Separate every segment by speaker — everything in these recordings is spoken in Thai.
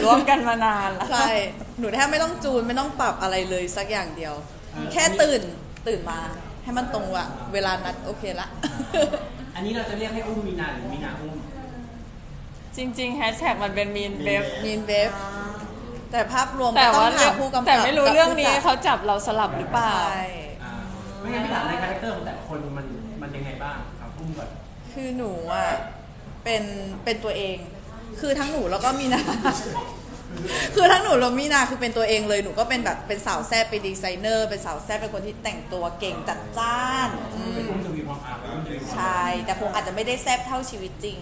Speaker 1: ร่วมกันมานานแล้ว
Speaker 2: ใช่หนูแทบไม่ต้องจูนไม่ต้องปรับอะไรเลยสักอย่างเดียว แค่ตื่นมาให้มันตรงว่ะเวลานัดโอเคละ
Speaker 3: อันนี้เราจะเรียกให้อุ้มมีนาหรือมีนาอุ้ม
Speaker 1: จริงๆแฮชแท็กมันเป็นมีนเบฟ
Speaker 2: แต่ภาพรวม
Speaker 1: แต่ว่า
Speaker 2: ต้องหาผู้กำกับ
Speaker 1: แต่ไม่รู้เรื่องนี้เขาจับเราสลับหรือเปล่า
Speaker 3: ไม่งั้นพี่ถามในคาแรคเตอร์ของแต่ละคนมันยังไงบ้างครับอุ้มก่อน
Speaker 2: คือหนูอ่ะเป็นตัวเองคือทั้งหนูแล้วก็มีนาคือทั้งหนูแล้วมีนาคือเป็นตัวเองเลยหนูก็เป็นแบบเป็นสาวแซ่บเป็นดีไซเนอร์เป็นสาวแซ่บเป็นคนที่แต่งตัวเก่งจัดจ้าน
Speaker 3: เป็นอุ้มจะมีความอาบ
Speaker 2: ใช่แต่คงอาจจะไม่ได้แซ่บเท่าชีวิตจริง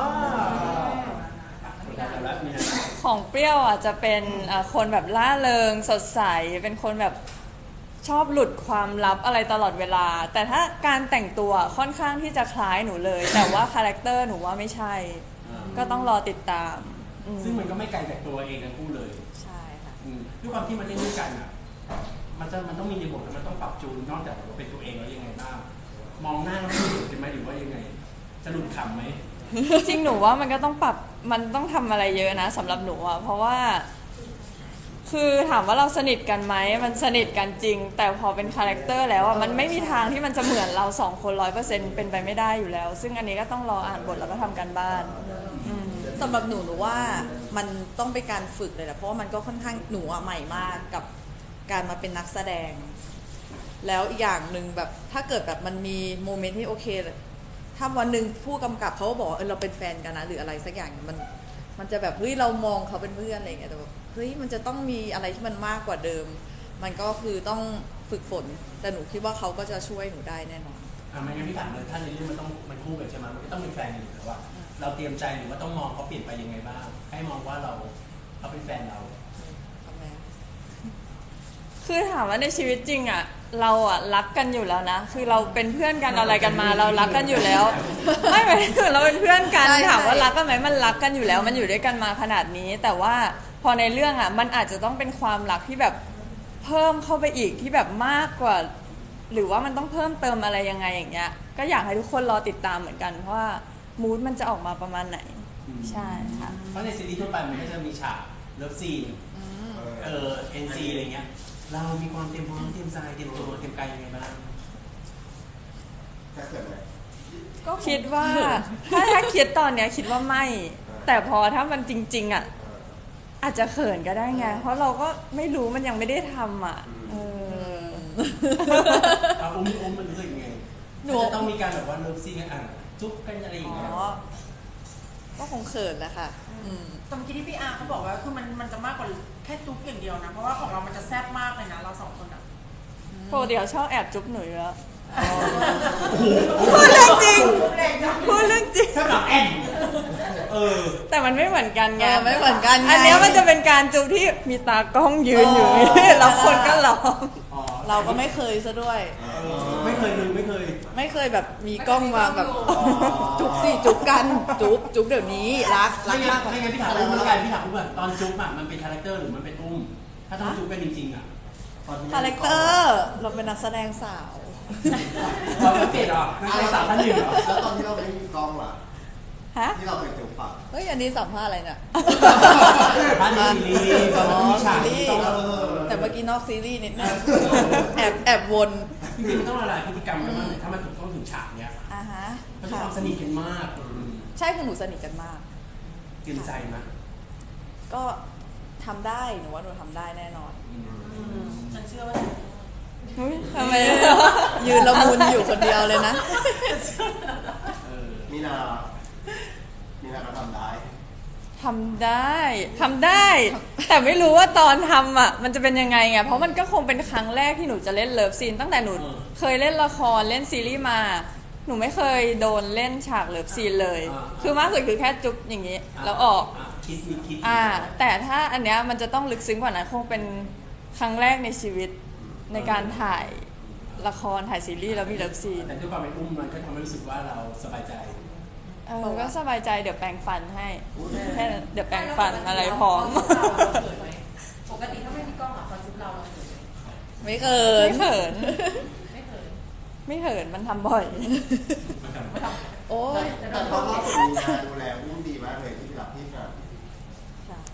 Speaker 1: ของเปรี้ยวอ่ะจะเป็นคนแบบล่าเริงสดใสเป็นคนแบบชอบหลุดความลับอะไรตลอดเวลาแต่ถ้าการแต่งตัวค่อนข้างที่จะคล้ายหนูเลยแต่ว่าคาแรคเตอร์หนูว่าไม่ใช่ก็ต้องรอติดตาม
Speaker 3: ซึ่งมันก็ไม่ไกลจากตัวเองทั้งคู่เลย
Speaker 2: ใช่ค่ะ
Speaker 3: ด้วยความที่มันเล่นด้วยกันอ่ะมันต้องมีในบทแล้วมันต้องปรับจูนนอกจากว่าเป็นตัวเองแล้วยังไงบ้างมองหน้าแล้วมันหลุดใช่ไหมหรือว่ายังไงจะหลุดขำไหม
Speaker 1: จริงหนูว่ามันก็ต้องปรับมันต้องทำอะไรเยอะนะสำหรับหนูอ่ะเพราะว่าคือถามว่าเราสนิทกันไหมมันสนิทกันจริงแต่พอเป็นคาแรคเตอร์แล้วอ่ะมันไม่มีทางที่มันจะเหมือนเรา2 คน 100% เป็นไปไม่ได้อยู่แล้วซึ่งอันนี้ก็ต้องรออ่านบทแล้วก็ทำกันบ้าน
Speaker 2: สำหรับหนูว่ามันต้องเป็นการฝึกเลยแหละเพราะว่ามันก็ค่อนข้างหนูใหม่มากกับการมาเป็นนักแสดงแล้วอีกอย่างหนึ่งแบบถ้าเกิดแบบมันมีโมเมนต์ที่โอเคถ้าวันหนึ่งผู้กำกับเขาบอกเราเป็นแฟนกันนะหรืออะไรสักอย่างมันจะแบบเฮ้ยเรามองเขาเป็นเพื่อนอะไรอย่างเงี้ยแต่แบบเฮ้ยมันจะต้องมีอะไรที่มันมากกว่าเดิมมันก็คือต้องฝึกฝนแต่หนูคิดว่าเขาก็จะช่วยหนูได้แน่นอน
Speaker 3: ไม่งั้นพี่ถามเลยถ้าในเรื่องมันคู่กันใช่ไหมมันก็ต้องเป็นแฟนอยู่แล้วว่าเราเตรียมใจหรือว่าต้องมองเขาเปลี่ยนไปยังไงบ้างให้มองว่าเขาเป็นแฟนเรา
Speaker 1: คือถามว่าในชีวิตจริงอ่ะเราอ่ะรักกันอยู่แล้วนะคือเราเป็นเพื่อนกันอะไรกันมาเรารักกันอยู่แล้วไม่หมายถึงเราเป็นเพื่อนกันถามว่ารักกันไหมมันรักกันอยู่แล้วมันอยู่ด้วยกันมาขนาดนี้แต่ว่าพอในเรื่องอ่ะมันอาจจะต้องเป็นความรักที่แบบเพิ่มเข้าไปอีกที่แบบมากกว่าหรือว่ามันต้องเพิ่มเติมอะไรยังไงอย่างเงี้ยก็อยากให้ทุกคนรอติดตามเหมือนกันเพราะว่ามูดมันจะออกมาประมาณไหนใช่ค่ะ
Speaker 3: เพราะในซีรีส์ทั่วไปมันก็จะมีฉากเลิฟซีนNC อะไรเงี้ยเรามีความเตรียมพร้อมเตรียมใจเตรียมตัวเตรียมกายยังไงบ้าง
Speaker 4: จะเกิดอะไร
Speaker 1: ก็คิดว่าถ้าคิดตอนเนี้ยคิดว่าไม่แต่พอถ้ามันจริงๆอ่ะอาจจะเขินก็ได้ไงเพราะเราก็ไม่รู้มันยังไม่ได้ทำอ่ะ
Speaker 3: อุ้มมันรู้สึกยังไงหนูต้องมีการแบบว่าเลิฟซีนกันจุ๊บกันอะไรอย่างเงี้ย
Speaker 2: ก็คงเขินแหละค่ะ
Speaker 5: แต่เมื่อกี้ที่พี่อาร์เขาบอกว่าคือมันจะมากกว่าแค่จุ๊บอย่างเดียวนะเพราะว่าของเรามันจะแซ่บมากเลยนะเรา2 คนอ่ะ
Speaker 1: เดี๋ยวชอบแอบจุ๊บหนูแล้วพูดเรื่องจริงพูดเรื่องจริง
Speaker 3: ถ้าแบบแอน
Speaker 1: แต่มันไม่เหมือนกันไง
Speaker 2: ไม่เหมือนกัน
Speaker 1: อันนี้มันจะเป็นการจุ๊บที่มีตากล้องยืนอยู่แล้วคนก็ร้อง
Speaker 2: เราก็ไม่เคยซะด้วย
Speaker 3: ไม่เค
Speaker 2: ยแบบมีกล้องมาแบบจุ๊บสิจุ๊บกันจุ๊บเดี๋ยวนี้รัก
Speaker 3: มากไม่งั้นพี่ถามอุ้มแล้วกันพี่ถามอุ้มว่าตอนจุ๊บอ่ะมันเป็นคาแรคเตอร์หรือมันเป็นอุ้มถ้าต้องจุ๊บกันจริงๆอ่ะ
Speaker 2: คาแรคเตอร์เราเป็นนักแสดงสาว
Speaker 3: เราไม่เปลี่ยนหรอนักแสดงสาวท่านหนึ่งหรอ
Speaker 4: แล้วตอนที่เราไม่มีกล้องล่ะที่เราไปจุ๊บปาก
Speaker 2: เฮ้ยอันนี้สัมภาษณ์อะไรเนี่ย
Speaker 3: บ้านซีรีส์มีฉาก
Speaker 2: แต่เมื่อกี้นอกซีรีส์นิดนึงแอบวน
Speaker 3: จริงๆมันต้องละลายพฤติกรรมกันบ้างถ้ามันต้องถึงฉากเนี้ยมันจะความสนิทกันมาก
Speaker 2: ใช่คือหนูสนิทกันมาก
Speaker 3: เกินใจมั้ย
Speaker 2: ก็ทำได้หนูว่าหนูทำได้แน่นอน
Speaker 5: ฉันเชื่อว่า
Speaker 2: ทำไมยืนละมุนอยู่คนเดียวเลยนะ
Speaker 4: มีนาก็ทำได้
Speaker 1: แต่ไม่รู้ว่าตอนทำอ่ะมันจะเป็นยังไงไงเพราะมันก็คงเป็นครั้งแรกที่หนูจะเล่นเลิฟซีนตั้งแต่หนูเคยเล่นละครเล่นซีรีส์มาหนูไม่เคยโดนเล่นฉากเลิฟซีนเลยคือมากสุดคือแค่จุ๊บอย่างนี้แล้วออกแต่ถ้าอันเนี้ยมันจะต้องลึกซึ้งกว่านั้นคงเป็นครั้งแรกในชีวิตในการถ่ายละครถ่ายซีรีส์แล้วมีเลิฟซีน
Speaker 3: แต่ด้วยความเป็นอุ้มมันก็ทำให้รู้สึกว่าเราสบายใจ
Speaker 1: ก็สบายใจเดี๋ยวแปรงฟันให้แค่เดี๋ยวแปรงฟันอะไรพร้อม
Speaker 5: ปกติถ้าไม่มีกล้องอ่ะพอจุ๊บเรา
Speaker 2: ไม่เขินมันทำบ่อย
Speaker 4: โอ้ยแต่ตอนเราฝึกมีงานดูแลอุ้มดีมากเลยที่รับพี่ครับ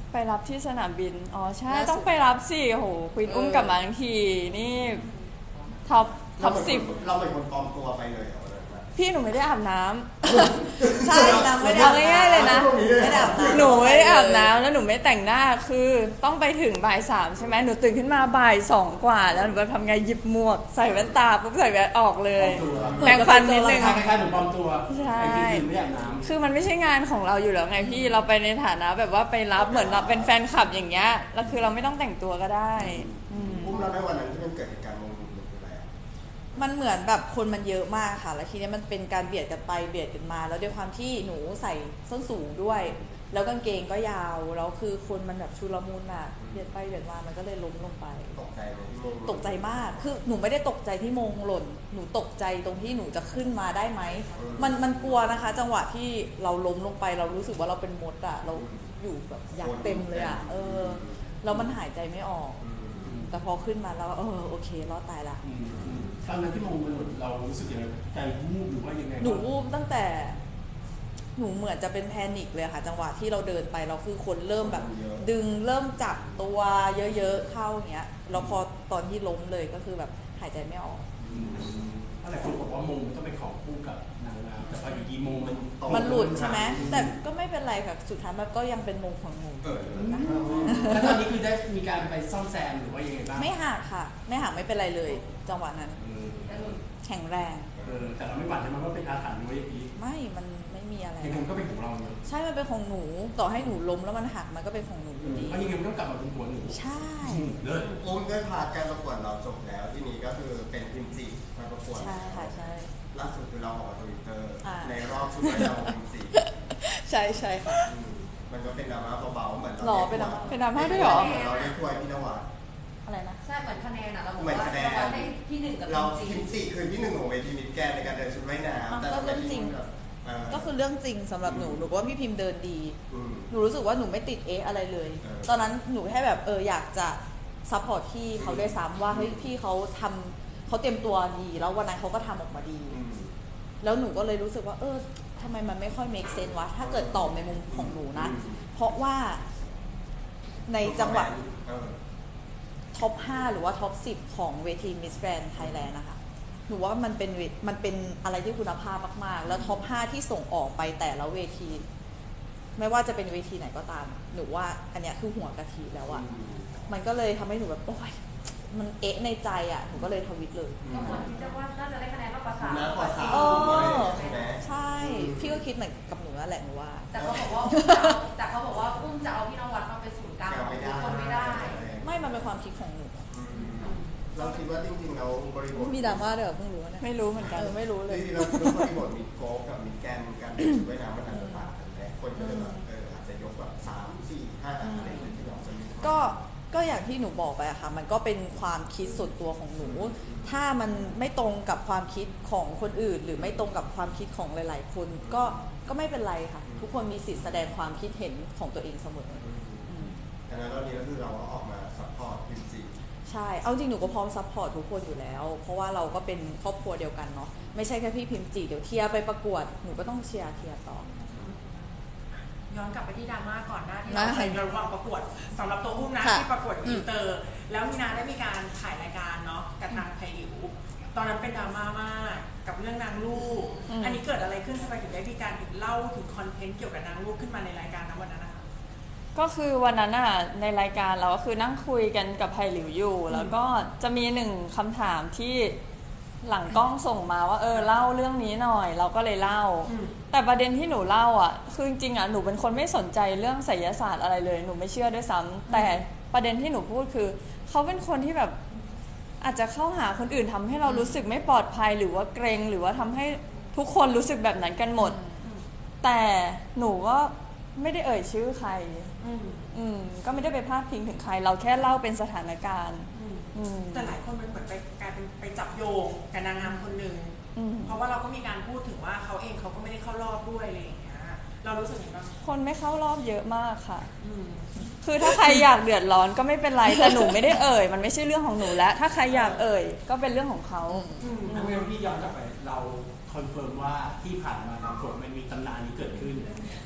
Speaker 1: ไปรับที่สนามบินอ๋อใช่
Speaker 2: ล่าสุด
Speaker 1: ต้องไปรับสิโหควีนอุ้มกลับมาทั้งทีนี่ท็อป
Speaker 4: เราเป็น
Speaker 1: สิบ
Speaker 4: เราเป็นคนปลอมตัวไปเลยเหรอ
Speaker 1: พี่หนูไม่ได้อาบน้ำ
Speaker 2: ใช่นางไม่ได้
Speaker 1: เอาง่ายๆเลยนะ
Speaker 2: ไม่ได้อาบน้ำ
Speaker 1: หนูไม่ได้อาบน้ำแล้วหนูไม่แต่งหน้าคือต้องไปถึงบ่าย3ใช่ไหมหนูตื่นขึ้นมาบ่าย2กว่าแล้วหนูก็ทำไงหยิบหมวกใส่แว่นตาปุ๊บใส่แว่นออกเลยแปรงฟันนิดนึง
Speaker 3: คล้ายๆเหมือนปลอมตัว
Speaker 1: ใช่
Speaker 3: ไอ้ที่ไม่อาบน้ำ
Speaker 1: คือมันไม่ใช่งานของเราอยู่แล้วไงพี่เราไปในฐานะแบบว่าไปรับเหมือนเราเป็นแฟนคลับอย่างเงี้ยแล้วคือเราไม่ต้องแต่งตัวก็ได้อืม
Speaker 4: อุ้มเราได้วันนั้นที่มันเกิดเหตุการณ์โมโหหรืออะไรอะ
Speaker 2: มันเหมือนแบบคนมันเยอะมากค่ะ แล้วทีนี้มันเป็นการเบียดกันไปเบียดกันมา แล้วด้วยความที่หนูใส่ส้นสูงด้วย แล้วกางเกงก็ยาว แล้วคือคนมันแบบชุลมุนอ่ะ เบียดไปเบียดมา มันก็เลยล้มลงไป
Speaker 4: ตกใจไหมที่โมโห
Speaker 2: ตกใจมาก คือหนูไม่ได้ตกใจที่มงหล่น หนูตกใจตรงที่หนูจะขึ้นมาได้ไหม มันกลัวนะคะ จังหวะที่เราล้มลงไป เรารู้สึกว่าเราเป็นมดอ่ะ เราอยู่แบบยักษ์เต็มเลยอ่ะ แล้วมันหายใจไม่ออก แต่พอขึ้นมาแล้วโอเครอดตายละ
Speaker 3: ตอนนั้นที่มองมันเรารู้สึกยังไงใจวูบหรือว่ายังไง
Speaker 2: หนูวูบตั้งแต่หนูเหมือนจะเป็นแพนิคเลยค่ะ จังหวะที่เราเดินไปเราคือคนเริ่มแบบ ดึงเริ่มจับตัวเยอะๆเข้าอย่างเงี้ยแล้วพอตอนที่ล้มเลยก็คือแบบหายใจไม่ออก
Speaker 3: อะไรคนบอกว่ามงมันต้องเป็นของคู่กับนางงามแต่พออยู่ดีมง
Speaker 2: มันหลุดใช่ไหมแต่ก็ไม่เป็นไรค่ะสุดท้ายมันก็ยังเป็นมงของหนู
Speaker 3: แล้วตอนนี้คือได้มีการไปซ่อมแซมหรือว่ายังไงบ้าง
Speaker 2: ไม่หักค่ะ ไม่หักไม่เป็นไรเลย จังหวะนั้นแข็งแรง
Speaker 3: แต่เราไม่หวั่นใช่ไหมว่าเป็นอาถรรพ์หรือว่าอย่างนี้
Speaker 2: มันไม่มีอะไร
Speaker 3: ยังไงมันก็เป็นของเราเนอะ
Speaker 2: ใช่มันเป็นของหนูต่อให้หนูล้มแล้วมันหักมันก็เป็นของหนูอยู่ดี
Speaker 3: เพราะยังไงมันต้องกลับมาเป็นหัวหนู
Speaker 2: ใช่
Speaker 3: เลิศ
Speaker 4: อุ้มด้วยพาร์ทการประกวดเราจบแล้วที่นี้ก็คือเป็นพิมพ์จีมาประกวด
Speaker 2: ใช่ค่ะใช่
Speaker 4: ล่าสุดคือเราออกมาทวิตเตอร์
Speaker 2: อ่า
Speaker 4: ในรอบชุดว่ายน้ำของพิมพ์จี
Speaker 2: ใช่ใช่ค่ะ
Speaker 4: มันก็เป็นดราม่าเบาๆเหมือน
Speaker 2: หรอ
Speaker 4: เรา
Speaker 2: เป็นดราม่า
Speaker 1: เป็นดราม่าด้วยเหรอ
Speaker 4: เราได้ถ้วยพี่นวัด
Speaker 2: อะไรนะ
Speaker 6: ใช่เหมือนคะแนนอะเราบอก
Speaker 4: เหมือน
Speaker 6: ว่า
Speaker 4: คะแนน
Speaker 6: เราได้ที่หนึ่งกับ
Speaker 4: เรา
Speaker 6: จริ
Speaker 4: พิ
Speaker 6: ง
Speaker 4: มพ์จีคือที่หนึ่งของเวทีมิสแกรนด์ในการเดินชุดว่ายน้ำแต่
Speaker 2: ก็เรื่องจริง ก็คือเรื่องจริงสำหรับหนูว่าพี่พิมพ์เดินดี หนูรู้สึกว่าหนูไม่ติดอะไรเลย ตอนนั้นหนูแค่แบบอยากจะซัพพอร์ตพี่เขาด้วยซ้ำว่าเฮ้ยพี่เขาเตรียมตัวดีแล้ววันนั้นเขาก็ทำออกมาดี แล้วหนูก็เลยรู้สึกว่าทำไมมันไม่ค่อย make sense วะถ้าเกิดตอบในมุมของหนูนะ เพราะว่าในจังหวะท็อป 5 หรือว่าท็อป 10 ของเวที Miss Grand Thailand นะคะหนูว่ามันเป็นอะไรที่คุณภาพมากๆ แล้วท็อป 5 ที่ส่งออกไปแต่ละเวที ไม่ว่าจะเป็นเวทีไหนก็ตาม หนูว่าอันเนี้ยคือหัวกะทิแล้วอะมันก็เลยทำให้หนูแบบโอ๊ยมันในใจอะหนูก็เลยทวิตเลย
Speaker 6: ๆก็เหมือนที่จะว่าน่าจะได้คะแนนมากกว่าสาม
Speaker 4: มากกว่าสาม ใช่ไหม
Speaker 2: ใช่ พี่ก็คิดเหมือนกับหนูนั่นแหละหนูว่า
Speaker 6: แต่เขาบอกว่าอุ้มจะเอาพี่นวัดมาเป็นศูนย์กลางของทุกคนไม่ได้
Speaker 2: ไม่มันเป็นความคิดของหนู
Speaker 4: เราคิดว่าจริงๆเราบริบท
Speaker 2: มีดราม่าด้วยเหรอเพิ่งรู้นะ
Speaker 1: ไม่รู้เหมือนกัน
Speaker 2: ไม่รู้เลย
Speaker 4: จริงๆเราบริบทมิดโกลฟกับมิดแกนการเป็นชุดว่ายน้ำมันอาจจะต่างกันไหมคนก็เลยแบบอาจจะยกแบบ3 4 5อะไรอย่างเงี้ยที่เราจะมี
Speaker 2: ก็อย่างที่หนูบอกไปอะค่ะ มันก็เป็นความคิดส่วนตัวของหนู ถ้ามันไม่ตรงกับความคิดของคนอื่น หรือไม่ตรงกับความคิดของหลาย ๆ คนก็ไม่เป็นไรค่ะ ทุกคนมีสิทธิ์แสดงความคิดเห็นของตัวเองเสมอ
Speaker 4: ดังนั้นตอนนี้ก็คือเราก็ออกมาซัพพอร์ตพิมพ์จี
Speaker 2: ใช่ เอาจริงหนูก็พร้อมซัพพอร์ตทุกคนอยู่แล้ว เพราะว่าเราก็เป็นครอบครัวเดียวกันเนาะ ไม่ใช่แค่พี่พิมพ์จีเดี๋ยวเทียร์ไปประกวด หนูก็ต้องเชียร์ต่อ
Speaker 5: ย้อนกลับไปที่ดราม่าก่อนหน้าที่
Speaker 2: ได้
Speaker 5: เราเคยระหว่างประกวดสำหรับตัวอุ้มนะ
Speaker 2: ค่ะ
Speaker 5: ที่ประกวดอินเตอร์ แล้วมีนาได้มีการถ่ายรายการเนาะกับทางไทยอิ๋วตอนนั้นเป็นดราม่ามากกับเรื่องนางลูก อันนี้เกิดอะไรขึ้นทำไมถึงได้มีการเล่าถึงคอนเทนต์เกี่ยวกับนางลูกขึ้นมาในรายการนะวันนั้นนะคะ
Speaker 1: ก็คือวันนั้นอ่ะในรายการเราก็คือนั่งคุยกันกับไผ่หลิวอยู่ แล้วก็จะมีหนึ่งคำถามที่หลังกล้องส่งมาว่าเล่าเรื่องนี้หน่อย เราก็เลยเล่า แต่ประเด็นที่หนูเล่าอ่ะคือจริงๆอ่ะหนูเป็นคนไม่สนใจเรื่องไสยศาสตร์อะไรเลยหนูไม่เชื่อด้วยซ้ำแต่ประเด็นที่หนูพูดคือเขาเป็นคนที่แบบอาจจะเข้าหาคนอื่นทำให้เรารู้สึกไม่ปลอดภัยหรือว่าเกรงหรือว่าทำให้ทุกคนรู้สึกแบบนั้นกันหมด แต่หนูก็ไม่ได้เอ่ยชื่อใครก็ไม่ได้ไปพาดพิงถึงใคร เราแค่เล่าเป็นสถานการณ์
Speaker 5: แต่หลายคนมันเหมือนไปกลายเป็นไปจับโยงกับนางงามคนหนึ่งเพราะว่าเราก็มีการพูดถึงว่าเขาเองเขาก็ไม่ได้เข้ารอบด้วยอะไรอย่างเงี้ยเรารู้สึกยังไงบ้าง
Speaker 1: คนไม่เข้ารอบเยอะมากค่ะคือถ้าใครอยากเดือดร้อนก็ไม่เป็นไรแต่หนูไม่ได้เอ่ยมันไม่ใช่เรื่องของหนูแล้วถ้าใครอยากเอ่ยก็เป็นเรื่องของเขา
Speaker 3: ถ้าไม่งั้นพี่ย้อนกลับไปเราคอนเฟิร์มว่าที่ผ่านมาบางคนมันมีตำนานนี้เกิดขึ้น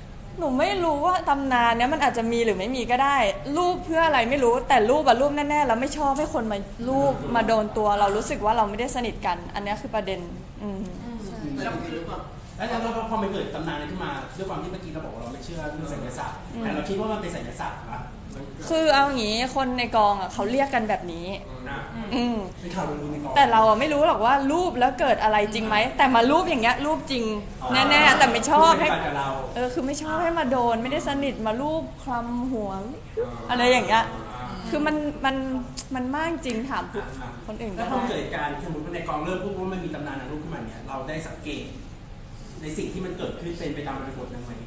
Speaker 1: หนูไม่รู้ว่าตำนานเนี้ยมันอาจจะมีหรือไม่มีก็ได้ รูปเพื่ออะไรไม่รู้แต่รูปอะรูปแน่ๆแล้วไม่ชอบให้คนมารูปมาโดนตัวเรารู้สึกว่าเราไม่ได้สนิทกัน อันเนี้ยคือประเด็น
Speaker 3: แล้วพอมันเกิดตำนานอะไรขึ้นมาด้วยความที่เมื่อกี้เราบอกว่าเราไม่เชื่อเรื่องไสยศาสตร์แต่เราคิดว่ามันเป็นไสยศาสตร์นะ
Speaker 1: คือเอาอย่างงี้คนในกองอะเขาเรียกกันแบบนี้
Speaker 3: เป็นข่าวลือในกอง
Speaker 1: แต่เราอะไม่รู้หรอกว่ารูปแล้วเกิดอะไรจริงไหมแต่มารูปอย่างเงี้ยรูปจริงแน่ๆแต่ไม่ชอบให้คือไม่ชอบให้มาโดนไม่ได้สนิทมารูปคลำหัวอะไรอย่างเงี้ยคือมันมากจริงถามคนอื่น
Speaker 3: แล้วพอเกิดการสมมติว่าในกองเริ่มพูดว่ามันมีตำนานนางรูปขึ้นมาเนี่ยเราได้สังเกตในสิ่งที่มันเกิดขึ้นเป็นไปตามบริบทนั้นไหม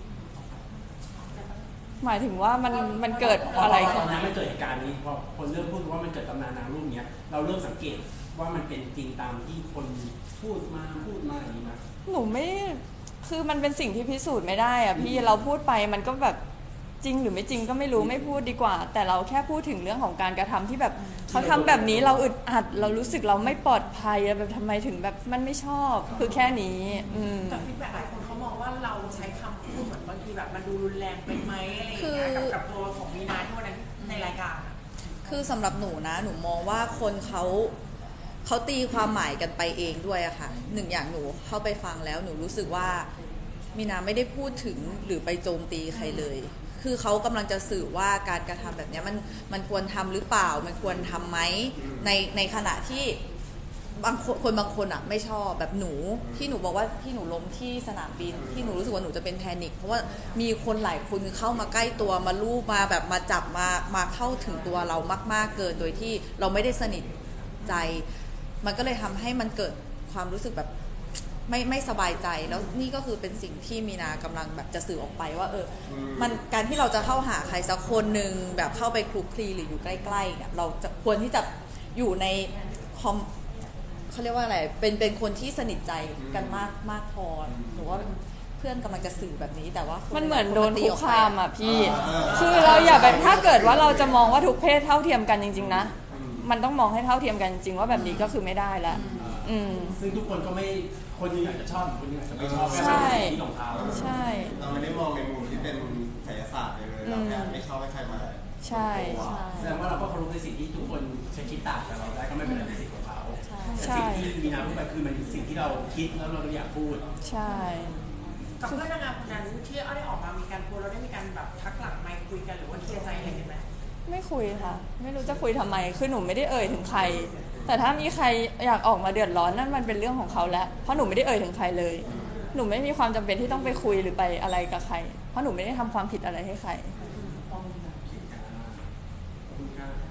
Speaker 1: หมายถึงว่ามันเกิดอะไร
Speaker 3: ตอนนั้นมันเกิดเหตุการณ์นี้พอคนเริ่มพูดว่ามันเกิดตำนานนางรูปเนี้ยเราเริ่มสังเกตว่ามันเป็นจริงตามที่คนพูดมาอย่างนี้นะ
Speaker 1: หนูไม่คือมันเป็นสิ่งที่พิสูจน์ไม่ได้อะพี่เราพูดไปมันก็แบบจริงหรือไม่จริงก็ไม่รู้ไม่พูดดีกว่าแต่เราแค่พูดถึงเรื่องของการกระทำที่แบบเขาทำแบบนี้เราอึดอัดเรารู้สึกเราไม่ปลอดภัยแบบทำไมถึงแบบมันไม่ชอบคือแค่นี้
Speaker 5: แต่ฟีดแบ็กหลายคนเขามองว่าเราใช้คำพูดเหมือนบางทีแบบมันดูรุนแรงไปไหมอะไรอย่างเงี้ยกับตัวของมีนาที่วันนั้นในรายการ
Speaker 2: คือสำหรับหนูนะหนูมองว่าคนเขาตีความหมายกันไปเองด้วยอะค่ะหนึ่งอย่างหนูเข้าไปฟังแล้วหนูรู้สึกว่ามีนาไม่ได้พูดถึงหรือไปโจมตีใครเลยคือเขากำลังจะสื่อว่าการกระทำแบบนี้มันควรทำหรือเปล่ามันควรทำไหมในขณะที่บางคนอ่ะไม่ชอบแบบหนูที่หนูบอกว่าที่หนูล้มที่สนามบินที่หนูรู้สึกว่าหนูจะเป็นแพนิคเพราะว่ามีคนหลายคนเข้ามาใกล้ตัวมาลูบมาแบบมาจับมาเข้าถึงตัวเรามากๆเกินโดยที่เราไม่ได้สนิทใจมันก็เลยทำให้มันเกิดความรู้สึกแบบไม่สบายใจแล้วนี่ก็คือเป็นสิ่งที่มีนากำลังแบบจะสื่อออกไปว่ามันการที่เราจะเข้าหาใครสักคนหนึ่งแบบเข้าไปคลุกคลีหรืออยู่ใกล้ๆเนี่ยเราจะควรที่จะอยู่ในเขาเรียกว่าอะไรเป็นคนที่สนิทใจกันมากพอหรือว่าเพื่อนกำลังจะสื่อแบบนี้แต่ว่า
Speaker 1: มันเหมือนโดนคุกคามอ่ะพี่คือเราอย่าไปถ้าเกิดว่าเราจะมองว่าทุกเพศเท่าเทียมกันจริงๆนะมันต้องมองให้เท่าเทียมกันจริงว่าแบบนี้ก็คือไม่ได้แล้ว
Speaker 3: ซึ่งทุกคนก็ไม่คนนึงอาจจะชอบคนนึงอาจจะไม่ชอบ
Speaker 1: ใช่
Speaker 3: ที่ของเขา
Speaker 1: ใช่
Speaker 4: เราไม่ได้มองในมุมที่เป็นไสยศาสตร์เลยเราแค่ไม่ชอบให้ใครมา
Speaker 1: ใช่
Speaker 3: แสดงว่าเราก็เคารพในสิ่งที่ทุกคนจะคิดต่างกับเราได้ก็ไม่เป็นไรในสิ่งของเขาแต่สิ่งที่มีนาพูดไปคือมันสิ่งที่เราคิดแล้วเราอยากพูด
Speaker 1: ใช่
Speaker 5: กับเพื่อนนางงามคนนั้นที่ได้ออกมามีการพูดเราได้มีการแบบทักหลังไมค์คุยกันหรือว่าเคลียร์ใจอะไรกันไหม
Speaker 1: ไม่คุยค่ะไม่รู้จะคุยทำไมคือหนูไม่ได้เอ่ยถึงใครแต่ถ้ามีใครอยากออกมาเดือดร้อนนั่นมันเป็นเรื่องของเขาแล้วเพราะหนูไม่ได้เอ่ยถึงใครเลยหนูไม่มีความจำเป็นที่ต้องไปคุยหรือไปอะไรกับใครเพราะหนูไม่ได้ทำความผิดอะไรให้ใคร